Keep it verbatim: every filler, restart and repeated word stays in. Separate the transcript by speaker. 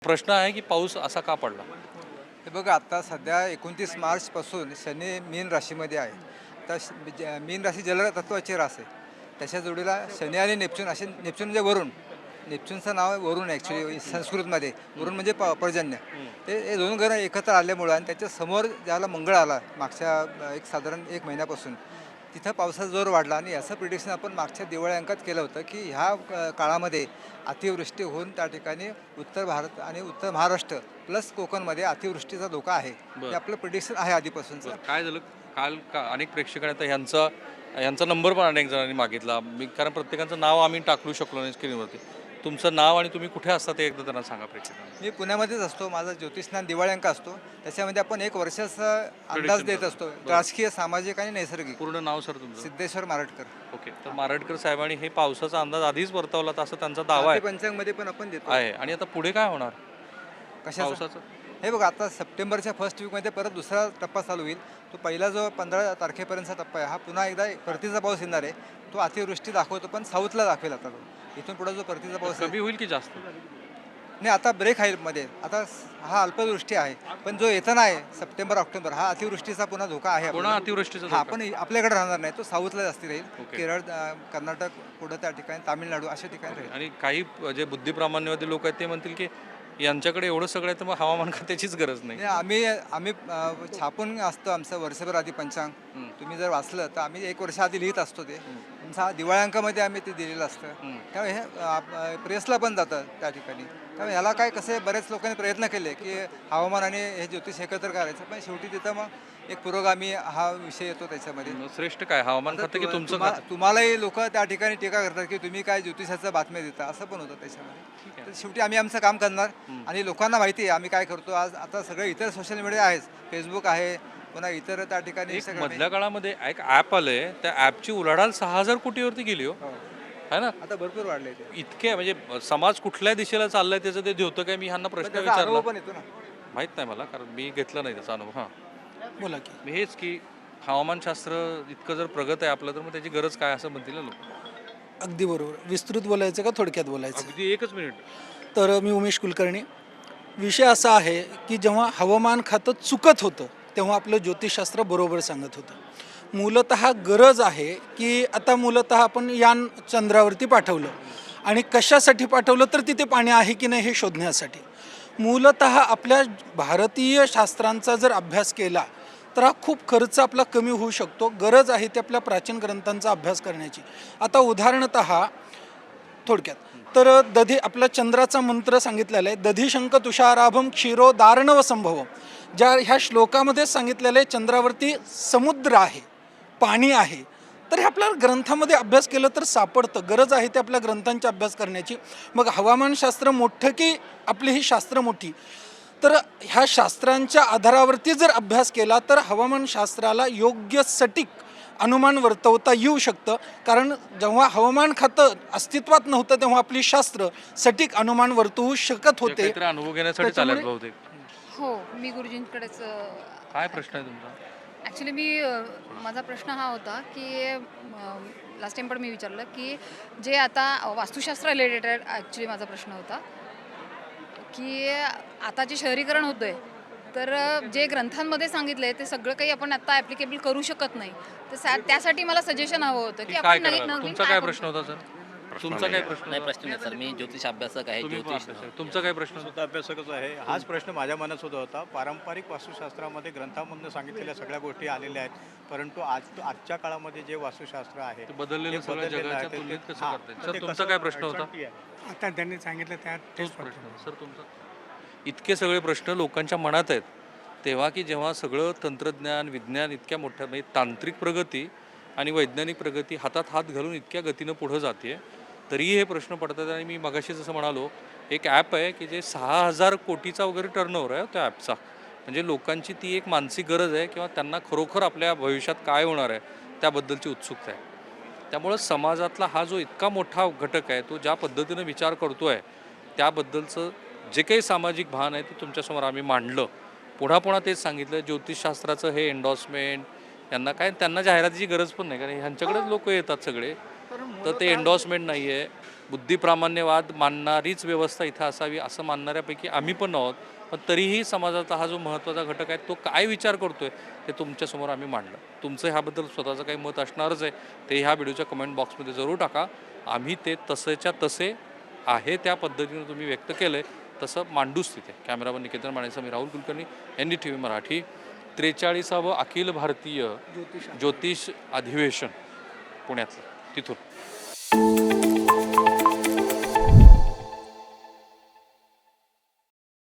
Speaker 1: प्रश्न आहे की पाऊस असा का पडला?
Speaker 2: हे बघा, आता सध्या एकोणतीस मार्चपासून शनी मीन राशीमध्ये आहे. तर श- ज- मीन राशी जलतत्वाची रास आहे. त्याच्या जोडीला शनी आणि नेपच्यून असे, नेपच्यून म्हणजे वरुण, नेपच्यूनचं नाव आहे वरुण ॲक्च्युली संस्कृतमध्ये. वरुण म्हणजे प पर्जन्य. ते हे दोन ग्रह एकत्र आल्यामुळं आणि त्याच्या समोर ज्याला मंगळ आला मागच्या अ, एक साधारण एक महिन्यापासून, तिथं पावसाचा जोर वाढला आणि याचं प्रिडिक्शन आपण मागच्या दिवाळी अंकात केलं होतं की ह्या अ, काळामध्ये अतिवृष्टी होऊन त्या ठिकाणी उत्तर भारत आणि उत्तर महाराष्ट्र प्लस कोकणमध्ये अतिवृष्टीचा धोका आहे.
Speaker 1: बरं.
Speaker 2: हे आपलं प्रिडिक्शन आहे आधीपासूनचं.
Speaker 1: बरं, काय झालं काल का अनेक प्रेक्षकांनी आता ह्यांचा ह्यांचा नंबर पण अनेक जणांनी मागितला. मी कारण प्रत्येकाचं नाव आम्ही टाकू शकलो नाही स्क्रीनवरती. तुमचं नाव आणि तुम्ही कुठे असता ते एकदा त्यांना सांगा प्रेक्षकांना.
Speaker 2: मी पुण्यामध्येच असतो. माझा ज्योतिषज्ञान दिवाळी अंक असतो. त्याच्यामध्ये आपण एक वर्षाचा अंदाज देत असतो, राजकीय, सामाजिक आणि नैसर्गिक.
Speaker 1: पूर्ण नाव सर तुमचं?
Speaker 2: सिद्धेश्वर मारटकर.
Speaker 1: ओके. तर मारडकर साहेबांनी हे पावसाचा अंदाज आधीच वर्तवला तर असं त्यांचा दावा आहे
Speaker 2: पंचांगमध्ये पण आपण देतो.
Speaker 1: आहे आणि आता पुढे काय होणार
Speaker 2: कशाचा?
Speaker 1: पावसाचं?
Speaker 2: हे बघा, आता सप्टेंबरच्या फर्स्ट वीकमध्ये परत दुसरा टप्पा चालू होईल. तो पहिला जो पंधरा तारखेपर्यंतचा टप्पा आहे, हा पुन्हा एकदा परतीचा पाऊस येणार आहे. तो अतिवृष्टी दाखवतो, पण साऊथला दाखवेल आता तो. इथून पुढे जो परतीचा पाऊस आहे,
Speaker 1: कमी होईल की जास्त?
Speaker 2: नाही, आता ब्रेक आहे मध्ये. आता स- हा अल्पवृष्टी आहे, पण जो येताना आहे सप्टेंबर ऑक्टोबर, हा अतिवृष्टीचा पुन्हा धोका आहे
Speaker 1: पुन्हा
Speaker 2: आपल्याला.
Speaker 1: अतिवृष्टीचा
Speaker 2: हा,
Speaker 1: धोका?
Speaker 2: पण आपल्याकडे राहणार नाही, तो साऊथला जास्ती राहील.
Speaker 1: ओके.
Speaker 2: केरळ, अ, कर्नाटक, पुढं त्या ठिकाणी तामिळनाडू अशा ठिकाणी राहील.
Speaker 1: आणि काही जे बुद्धिप्रामाण्यवादी लोक आहेत ते म्हणतील की यांच्याकडे एवढं सगळं आहे तर मग हवामान खात्याचीच गरज नाही.
Speaker 2: नाही, आम्ही आम्ही अ, छापून असतो आमचं वर्षभर आधी पंचांग.
Speaker 1: हं.
Speaker 2: तुम्ही जर वाचलं तर आम्ही एक वर्ष आधी लिहित असतो ते. आमचा दिवाळी अंकामध्ये आम्ही ते दिलेलं असतं.
Speaker 1: हं.
Speaker 2: त्यामुळे हे अ, अ, प्रेसला पण जातं त्या ठिकाणी. त्यामुळे ह्याला काय, कसे बरेच लोकांनी प्रयत्न केले की हवामान आणि हे ज्योतिष एकत्र करायचं, पण शेवटी तिथं मग एक पुरोगामी हा विषय येतो त्याच्यामध्ये.
Speaker 1: मग श्रेष्ठ काय हवामान खातं की
Speaker 2: तु-
Speaker 1: तुमचं
Speaker 2: तुम्हा-
Speaker 1: खातं?
Speaker 2: तुम्हालाही लोक त्या ठिकाणी टीका करतात की तुम्ही काय ज्योतिषाच्या बातम्या देता, असं पण होतं त्याच्यामध्ये. तर शेवटी आम्ही आमचं काम करणार आणि लोकांना माहिती आहे आम्ही काय करतो. आज आता सगळे इतर सोशल मीडिया आहेच, फेसबुक आहे, पुन्हा इतर त्या ठिकाणी
Speaker 1: एक
Speaker 2: इंस्टाग्राम
Speaker 1: मधल्या काळामध्ये एक ॲप आलंय त्या ॲपची उलाढाल सहा हजार कोटीवरती गेली हो.
Speaker 2: आहे.
Speaker 1: है ना?
Speaker 2: आता भरपूर वाढले ते.
Speaker 1: इतके म्हणजे समाज कुठल्या दिशेला चाललाय त्याचं ते होतं काय? मी ह्यांना
Speaker 2: पण
Speaker 1: प्रश्न
Speaker 2: त्याचा अनुभव
Speaker 1: विचारला,
Speaker 2: पण येतो ना.
Speaker 1: माहित नाही मला कारण मी घेतला नाही त्याचा अनुभव. हां,
Speaker 3: बोला की.
Speaker 1: मी हेच की हवामानशास्त्र इतकं जर प्रगत आहे आपलं तर मग त्याची गरज काय असं म्हणतील ना लोक.
Speaker 3: अगदी बरोबर. विस्तृत बोलायचं का थोडक्यात बोलायचं?
Speaker 1: अगदी एकच मिनिट.
Speaker 3: तर मी उमेश कुलकर्णी. विषय असा आहे की जेव्हा हवामान खातं चुकत होतं तेव्हा आपलं ज्योतिषशास्त्र बरोबर सांगत होतं. मूलतः गरज आहे की आता मूलतः आपण यान चंद्रावरती पाठवलं आणि कशासाठी पाठवलं तर तिथे पाणी आहे की नाही हे शोधण्यासाठी. मूलतः आपल्या भारतीय शास्त्रांचा जर अभ्यास केला तर हा खूप खर्च आपला कमी होऊ शकतो. गरज आहे ते आपल्या प्राचीन ग्रंथांचा अभ्यास करण्याची. आता उदाहरणतः थोडक्यात तर दधी आपला चंद्राचा मंत्र सांगितलेला आहे, दधिशंक तुषाराभम क्षीरो दारणव संभवम. ज्या ह्या श्लोकामध्ये सांगितलेलं आहे चंद्रावरती समुद्र आहे, पाणी आहे. तर हे आपल्या ग्रंथामध्ये अभ्यास केलं तर सापडतं. गरज आहे ते आपल्या ग्रंथांचा अभ्यास करण्याची. मग हवामानशास्त्र मोठं की आपली ही शास्त्र मोठी? तर ह्या शास्त्रांच्या आधारावरती जर अभ्यास केला तर हवामानशास्त्राला योग्य सटीक अनुमान वर्तवता येऊ शकतं. कारण जेव्हा हवामान खातं अस्तित्वात नव्हतं तेव्हा आपली शास्त्र सटीक अनुमान वर्तवू शकत होते.
Speaker 1: काहीतरी अनुभव घेण्यासाठी चालेल
Speaker 3: त्याच्यामुळे-
Speaker 1: बहुतेक.
Speaker 4: हो, मी गुरुजींकडेच
Speaker 1: काय प्रश्न आहे तुमचा?
Speaker 4: ॲक्च्युली मी अ, माझा प्रश्न हा होता की लास्ट टाइम पण मी विचारलं की जे आता वास्तुशास्त्र रिलेटेड ॲक्च्युली माझा प्रश्न होता की आता जे शहरीकरण होतं आहे तर अ, जे ग्रंथांमध्ये सांगितलं आहे ते सगळं काही आपण आता ॲप्लिकेबल करू शकत नाही. तर सा- त्यासाठी मला सजेशन हवं होतं की
Speaker 1: की काय
Speaker 4: आपण नवीन
Speaker 1: करायला?
Speaker 4: नवीन
Speaker 1: तुमचा
Speaker 4: काय
Speaker 1: काय
Speaker 4: करू
Speaker 1: प्रश्न होता सर? तुमचा काय प्रश्न
Speaker 5: नाही,
Speaker 1: होता?
Speaker 5: प्रश्न नाही सर. मी ज्योतिष अभ्यासक आहे.
Speaker 1: तुम्ही पण
Speaker 5: ज्योतिष
Speaker 1: अभ्यासक. तुमचा काय प्रश्न होता?
Speaker 6: सुद्धा अभ्यासकच आहे. हाच प्रश्न माझ्या मनात सुद्धा होता. पारंपरिक वास्तुशास्त्रामध्ये ग्रंथामधून सांगितलेल्या सगळ्या गोष्टी आलेल्या आहेत, परंतु आज आजच्या काळामध्ये जे वास्तुशास्त्र आहे
Speaker 1: ते बदललेलं
Speaker 6: ते
Speaker 1: सगळं
Speaker 6: बदललेलं आहे.
Speaker 1: जगाच्या
Speaker 6: ते-
Speaker 1: तुलनेत कसं
Speaker 6: हां,
Speaker 1: करताय?
Speaker 6: तर
Speaker 1: सर,
Speaker 6: ते
Speaker 1: तुमचा
Speaker 6: कसं
Speaker 1: काय प्रश्न होता?
Speaker 6: अडचणी आहे.
Speaker 7: आता त्यांनी सांगितलं त्या
Speaker 1: तोच प्रश्न सर तुमचा. इतके सगळे प्रश्न लोकांच्या मनात आहेत तेव्हा की जेव्हा सगळं तंत्रज्ञान विज्ञान इतक्या मोठ्या म्हणजे तांत्रिक प्रगती आणि वैज्ञानिक प्रगती हातात हात घालून इतक्या गतीनं पुढं जाते तरीही हे प्रश्न पडतात. आणि मी मगाशी जसं म्हणालो एक ॲप आहे की जे सहा हजार कोटीचा वगैरे टर्नओव्हर आहे त्या ॲपचा. म्हणजे लोकांची ती एक मानसिक गरज आहे किंवा त्यांना खरोखर आपल्या भविष्यात काय होणार आहे त्याबद्दलची उत्सुकता आहे. त्यामुळं समाजातला हा जो इतका मोठा घटक आहे तो ज्या पद्धतीनं विचार करतो आहे त्याबद्दलचं जे काही सामाजिक भान आहे ते तुमच्यासमोर आम्ही मांडलं. पुन्हा पुन्हा तेच सांगितलं ज्योतिषशास्त्राचं हे एन्डॉर्समेंट यांना काय त्यांना जाहिरातीची गरज पण नाही कारण ह्यांच्याकडेच लोक येतात सगळे. तर ते एन्डॉर्समेंट नाही आहे, बुद्धिप्रामाण्यवाद मानणारीच व्यवस्था इथं असावी असं मानणाऱ्यापैकी आम्ही पण आहोत. पण तरीही समाजाचा हा जो महत्त्वाचा घटक आहे तो काय विचार करतोय ते तुमच्यासमोर आम्ही मांडलं. तुमचं ह्याबद्दल स्वतःचं काही मत असणारच आहे, ते ह्या व्हिडिओच्या कमेंट बॉक्समध्ये जरूर टाका. आम्ही ते तसेच्या तसे आहे त्या पद्धतीनं तुम्ही व्यक्त केलं आहे तसं मांडूच तिथे. कॅमेरामन निकेतन माणेसह मी Rahul Kulkarni, N D T V Marathi. त्रेचाळीसावं अखिल भारतीय ज्योतिष अधिवेशन पुण्यातलं तिथून.